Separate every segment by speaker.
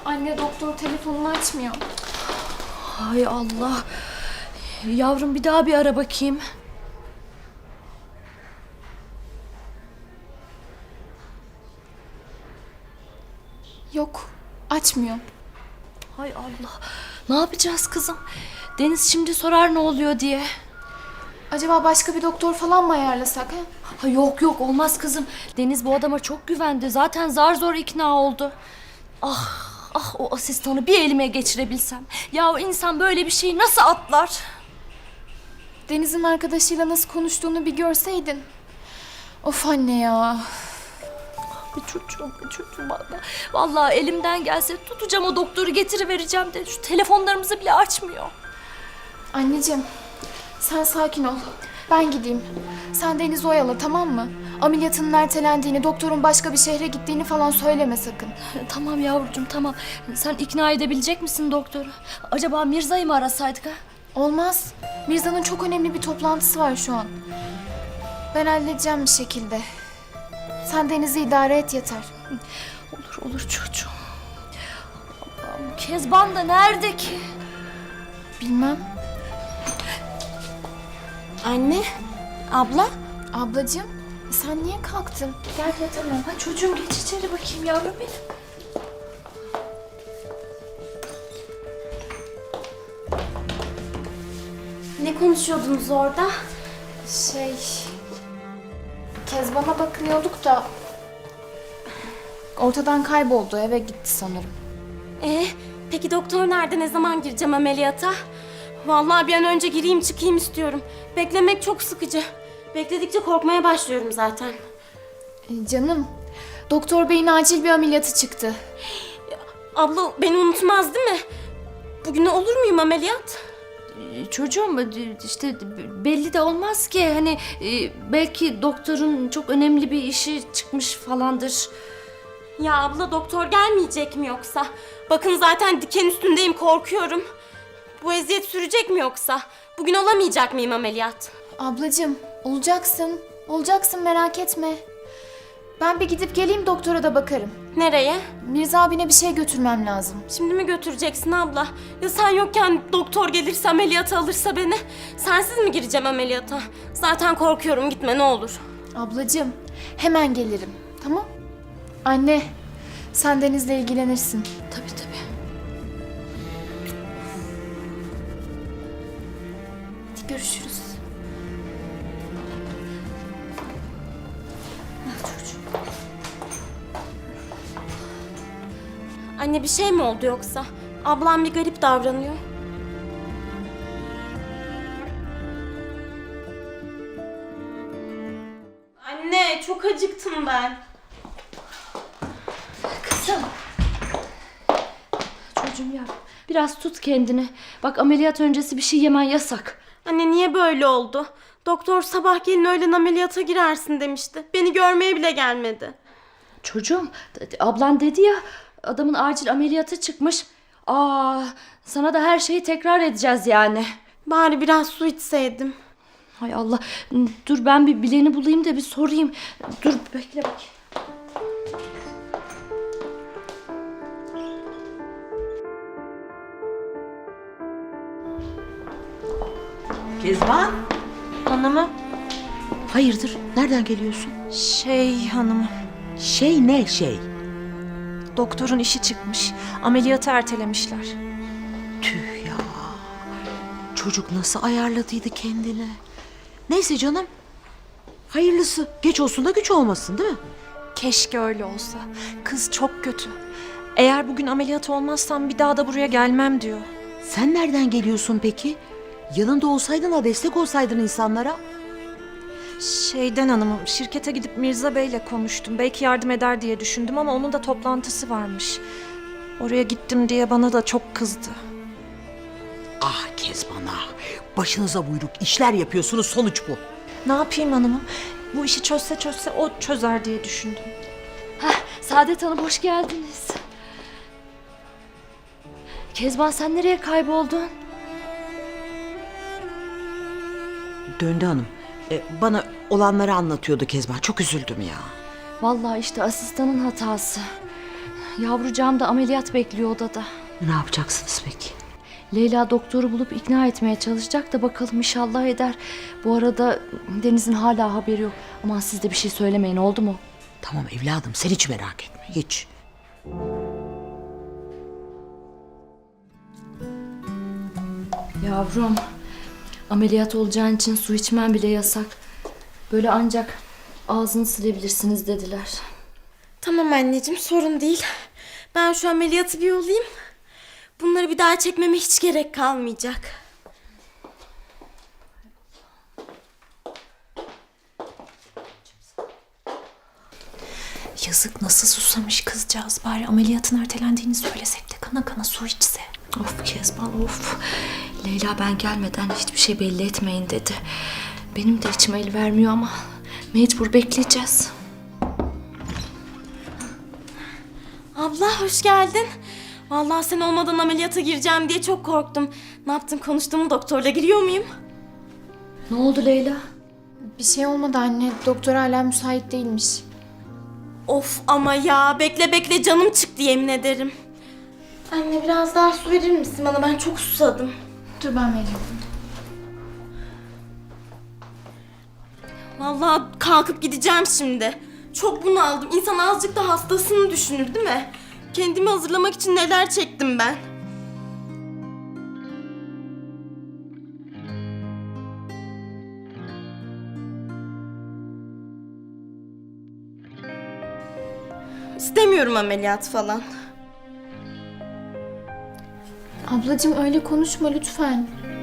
Speaker 1: Anne doktor telefonunu açmıyor.
Speaker 2: Hay Allah. Yavrum bir daha bir ara bakayım.
Speaker 1: Yok, açmıyor.
Speaker 2: Hay Allah. Ne yapacağız kızım? Deniz şimdi sorar ne oluyor diye.
Speaker 1: Acaba başka bir doktor falan mı ayarlasak ha?
Speaker 2: Ha, yok yok olmaz kızım. Deniz bu adama çok güvendi. Zaten zar zor ikna oldu. Ah ah o asistanı bir elime geçirebilsem. Ya o insan böyle bir şeyi nasıl atlar?
Speaker 1: Deniz'in arkadaşıyla nasıl konuştuğunu bir görseydin. Of anne ya.
Speaker 2: Bir çocuğum vallahi. Vallahi elimden gelse tutacağım o doktoru getirivereceğim de şu telefonlarımızı bile açmıyor.
Speaker 1: Anneciğim, sen sakin ol. Ben gideyim. Sen Deniz'i oyala, tamam mı? Ameliyatının ertelendiğini, doktorun başka bir şehre gittiğini falan söyleme sakın.
Speaker 2: Tamam yavrucuğum tamam. Sen ikna edebilecek misin doktoru? Acaba Mirza'yı mı arasaydık ha?
Speaker 1: Olmaz. Mirza'nın çok önemli bir toplantısı var şu an. Ben halledeceğim bir şekilde. Sen Deniz'i idare et yeter.
Speaker 2: Olur çocuğum. Allah'ım, Kezban da nerede ki?
Speaker 1: Bilmem.
Speaker 3: Anne, abla.
Speaker 1: Ablacığım, sen niye kalktın? Gel yatalım.
Speaker 2: Ha, çocuğum geç içeri bakayım yavrum benim.
Speaker 3: Ne konuşuyordunuz orada?
Speaker 1: Kezban'a bakıyorduk da ortadan kayboldu, eve gitti sanırım.
Speaker 3: Peki doktor nerede? Ne zaman gireceğim ameliyata? Vallahi bir an önce gireyim çıkayım istiyorum. Beklemek çok sıkıcı. Bekledikçe korkmaya başlıyorum zaten.
Speaker 1: Canım, doktor beyin acil bir ameliyatı çıktı.
Speaker 3: Abla beni unutmaz değil mi? Bugün olur muyum ameliyat?
Speaker 2: Çocuğum işte belli de olmaz ki hani belki doktorun çok önemli bir işi çıkmış falandır.
Speaker 3: Ya abla doktor gelmeyecek mi yoksa? Bakın zaten diken üstündeyim, korkuyorum. Bu eziyet sürecek mi yoksa? Bugün olamayacak mıyım ameliyat?
Speaker 1: Ablacığım, olacaksın. Olacaksın, merak etme. Ben bir gidip geleyim, doktora da bakarım.
Speaker 3: Nereye?
Speaker 1: Mirza abine bir şey götürmem lazım.
Speaker 3: Şimdi mi götüreceksin abla? Ya sen yokken doktor gelirse ameliyata alırsa beni? Sensiz mi gireceğim ameliyata? Zaten korkuyorum, gitme ne olur.
Speaker 1: Ablacığım, hemen gelirim. Tamam? Anne, sen Deniz'le ilgilenirsin.
Speaker 2: Tabii.
Speaker 1: Hadi görüşürüz.
Speaker 3: Anne bir şey mi oldu yoksa? Ablam bir garip davranıyor. Anne çok acıktım ben.
Speaker 2: Kızım. Çocuğum ya biraz tut kendini. Bak ameliyat öncesi bir şey yemen yasak.
Speaker 3: Anne niye böyle oldu? Doktor sabah gelin öğlen ameliyata girersin demişti. Beni görmeye bile gelmedi.
Speaker 2: Çocuğum ablan dedi ya adamın acil ameliyatı çıkmış. Sana da her şeyi tekrar edeceğiz yani.
Speaker 3: Bari biraz su içseydim.
Speaker 2: Hay Allah. Dur ben bir bileni bulayım da bir sorayım. Dur bekle bak.
Speaker 4: Kezban,
Speaker 5: Hanımım,
Speaker 4: hayırdır? Nereden geliyorsun?
Speaker 5: hanımım.
Speaker 4: Şey ne şey?
Speaker 5: Doktorun işi çıkmış. Ameliyatı ertelemişler.
Speaker 4: Tüh ya. Çocuk nasıl ayarladıydı kendini? Neyse canım. Hayırlısı. Geç olsun da güç olmasın değil mi?
Speaker 5: Keşke öyle olsa. Kız çok kötü. Eğer bugün ameliyat olmazsam bir daha da buraya gelmem diyor.
Speaker 4: Sen nereden geliyorsun peki? Yanında olsaydın da destek olsaydın insanlara.
Speaker 5: Hanımım, şirkete gidip Mirza Bey'le konuştum. Belki yardım eder diye düşündüm ama onun da toplantısı varmış. Oraya gittim diye bana da çok kızdı.
Speaker 4: Ah Kezban ah. Başınıza buyruk işler yapıyorsunuz, sonuç bu.
Speaker 5: Ne yapayım hanımım? Bu işi çözse o çözer diye düşündüm.
Speaker 2: Saadet Hanım hoş geldiniz. Kezban sen nereye kayboldun?
Speaker 4: Döndü hanım. Bana olanları anlatıyordu Kezban. Çok üzüldüm ya.
Speaker 2: Vallahi işte asistanın hatası. Yavrucağım da ameliyat bekliyor odada.
Speaker 4: Ne yapacaksınız peki?
Speaker 2: Leyla doktoru bulup ikna etmeye çalışacak da bakalım inşallah eder. Bu arada Deniz'in hala haberi yok. Aman siz de bir şey söylemeyin, oldu mu?
Speaker 4: Tamam evladım, sen hiç merak etme, hiç.
Speaker 2: Yavrum, ameliyat olacağın için su içmen bile yasak. Böyle ancak ağzını silebilirsiniz dediler.
Speaker 3: Tamam anneciğim, sorun değil. Ben şu ameliyatı bir olayım. Bunları bir daha çekmeme hiç gerek kalmayacak.
Speaker 5: Yazık, nasıl susamış kızcağız. Bari ameliyatın ertelendiğini söylesek de kana kana su içse.
Speaker 2: Of Kezban of. Leyla ben gelmeden hiçbir şey belli etmeyin dedi. Benim de içime el vermiyor ama mecbur bekleyeceğiz.
Speaker 3: Abla hoş geldin. Vallahi sen olmadan ameliyata gireceğim diye çok korktum. Ne yaptın, konuştun mu doktorla, giriyor muyum?
Speaker 2: Ne oldu Leyla?
Speaker 1: Bir şey olmadı anne. Doktor hala müsait değilmiş.
Speaker 3: Of ama ya, bekle bekle canım çıktı yemin ederim. Anne biraz daha su verir misin bana, ben çok susadım.
Speaker 1: Dur ben vereyim.
Speaker 3: Vallahi kalkıp gideceğim şimdi. Çok bunaldım. İnsan azıcık da hastasını düşünür değil mi? Kendimi hazırlamak için neler çektim ben. İstemiyorum ameliyat falan.
Speaker 1: Ablacığım öyle konuşma lütfen.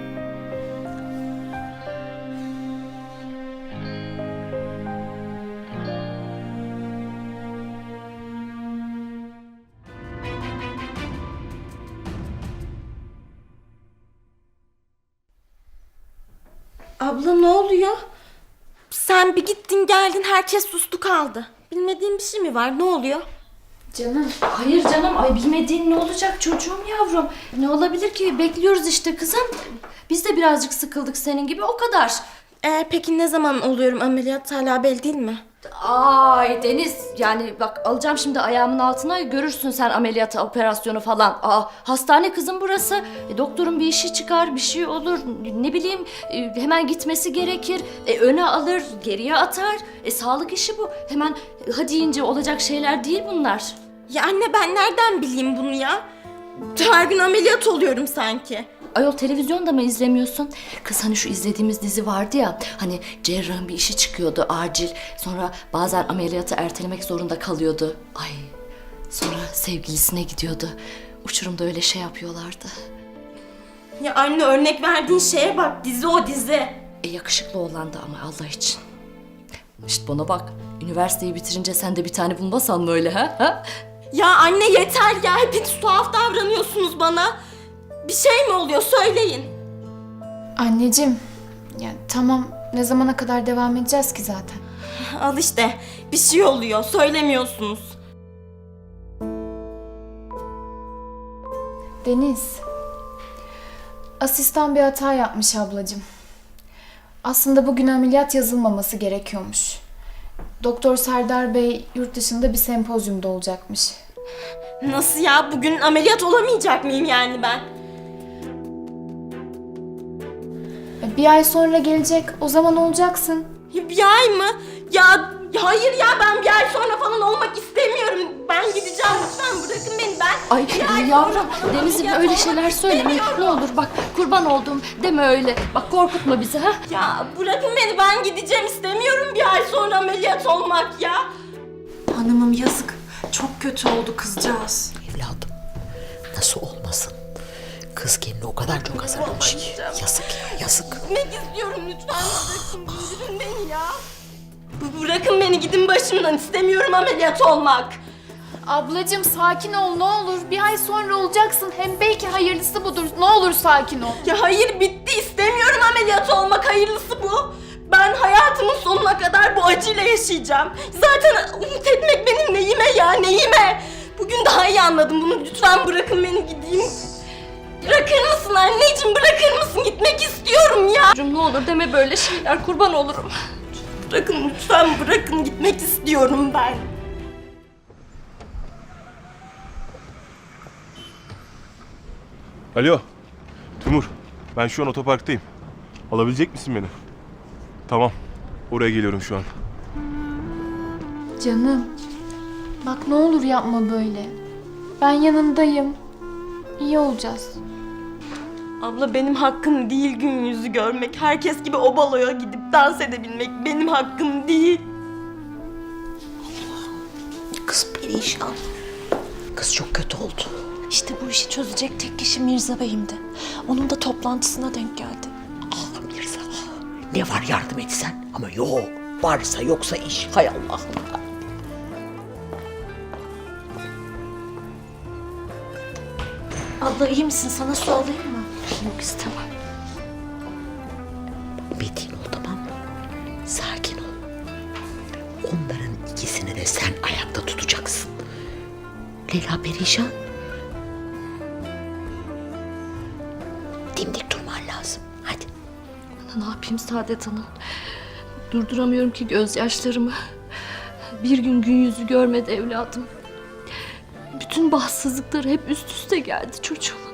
Speaker 3: Abla ne oluyor? Sen bir gittin geldin, herkes sustu kaldı. Bilmediğin bir şey mi var? Ne oluyor?
Speaker 1: Canım.
Speaker 2: Hayır canım, ay bilmediğin ne olacak çocuğum yavrum? Ne olabilir ki? Bekliyoruz işte kızım. Biz de birazcık sıkıldık senin gibi, o kadar.
Speaker 3: Peki ne zaman oluyorum ameliyat, hala belli değil mi?
Speaker 2: Ay Deniz, yani bak alacağım şimdi ayağımın altına, görürsün sen ameliyatı, operasyonu falan. Hastane kızım burası. Doktorun bir işi çıkar, bir şey olur, ne bileyim hemen gitmesi gerekir. Öne alır, geriye atar. Sağlık işi bu. Hemen hadi deyince olacak şeyler değil bunlar.
Speaker 3: Ya anne ben nereden bileyim bunu ya? Her gün ameliyat oluyorum sanki.
Speaker 2: Ayol televizyonda mı izlemiyorsun? Kız hani şu izlediğimiz dizi vardı ya, hani cerrahın bir işi çıkıyordu acil. Sonra bazen ameliyatı ertelemek zorunda kalıyordu. Ay, sonra sevgilisine gidiyordu. Uçurumda öyle şey yapıyorlardı.
Speaker 3: Ya anne örnek verdiğin şeye bak, dizi o dizi.
Speaker 2: Yakışıklı oğlandı ama Allah için. İşte bana bak, üniversiteyi bitirince sen de bir tane bulmasan mı öyle ha?
Speaker 3: Ya anne yeter ya, hepiniz tuhaf davranıyorsunuz bana. Bir şey mi oluyor, söyleyin.
Speaker 1: Anneciğim. Ya tamam, ne zamana kadar devam edeceğiz ki zaten?
Speaker 3: Al işte, bir şey oluyor, söylemiyorsunuz.
Speaker 1: Deniz. Asistan bir hata yapmış ablacığım. Aslında bugün ameliyat yazılmaması gerekiyormuş. Doktor Serdar Bey yurt dışında bir sempozyumda olacakmış.
Speaker 3: Nasıl ya, bugün ameliyat olamayacak mıyım yani ben?
Speaker 1: Bir ay sonra gelecek, o zaman olacaksın.
Speaker 3: Ya bir ay mı? Ya hayır ya, ben bir ay sonra falan olmak istemiyorum. Ben gideceğim, lütfen bırakın beni, ben.
Speaker 2: Ay
Speaker 3: bir ay
Speaker 2: yavrum,
Speaker 3: sonra falan
Speaker 2: Deniz'im
Speaker 3: ameliyat
Speaker 2: öyle
Speaker 3: olmak
Speaker 2: şeyler söyleme.
Speaker 3: istemiyorum.
Speaker 2: Ne olur bak, kurban oldum deme öyle. Bak korkutma bizi ha.
Speaker 3: Ya bırakın beni, ben gideceğim, istemiyorum bir ay sonra ameliyat olmak ya.
Speaker 5: Hanımım yazık. Çok kötü oldu kızcağız.
Speaker 4: Evladım, nasıl olmasın? Kız kendini o kadar çok hazırlamış ki. Yazık ya, yazık.
Speaker 3: Gitmek istiyorum, lütfen bırakın, indirin beni ya. Bırakın beni, gidin başımdan, istemiyorum ameliyat olmak.
Speaker 1: Ablacığım sakin ol ne olur. Bir ay sonra olacaksın. Hem belki hayırlısı budur. Ne olur sakin ol.
Speaker 3: Ya hayır, bitti, istemiyorum ameliyat olmak, hayırlısı bu. Ben hayatımın sonuna kadar bu acıyla yaşayacağım. Zaten umut etmek benim neyime ya, neyime? Bugün daha iyi anladım bunu, lütfen bırakın beni gideyim. Bırakır mısın anneciğim, bırakır mısın? Gitmek istiyorum ya.
Speaker 2: Çocuğum ne olur deme böyle şeyler, kurban olurum.
Speaker 3: Bırakın lütfen, bırakın, gitmek istiyorum ben.
Speaker 6: Alo, Timur. Ben şu an otoparktayım. Alabilecek misin beni? Tamam, oraya geliyorum şu an.
Speaker 1: Canım. Bak ne olur yapma böyle. Ben yanındayım. İyi olacağız.
Speaker 3: Abla benim hakkım değil gün yüzü görmek. Herkes gibi o baloya gidip dans edebilmek benim hakkım değil.
Speaker 4: Kız perişan. Kız çok kötü oldu.
Speaker 5: İşte bu işi çözecek tek kişi Mirza Bey'imdi. Onun da toplantısına denk geldi.
Speaker 4: Ah Mirza. Ne var yardım etsen? Ama yok. Varsa yoksa iş. Hay Allah'ım.
Speaker 5: Abla iyi misin? Sana su alayım mı?
Speaker 4: Yok istemem. Metin ol tamam mı? Sakin ol. Onların ikisini de sen ayakta tutacaksın. Leyla perişan. Dimdik durman lazım. Hadi.
Speaker 2: Ne yapayım Saadet Hanım? Durduramıyorum ki gözyaşlarımı. Bir gün yüzü görmedi evladım. Bütün bahtsızlıkları hep üst üste geldi çocuğum.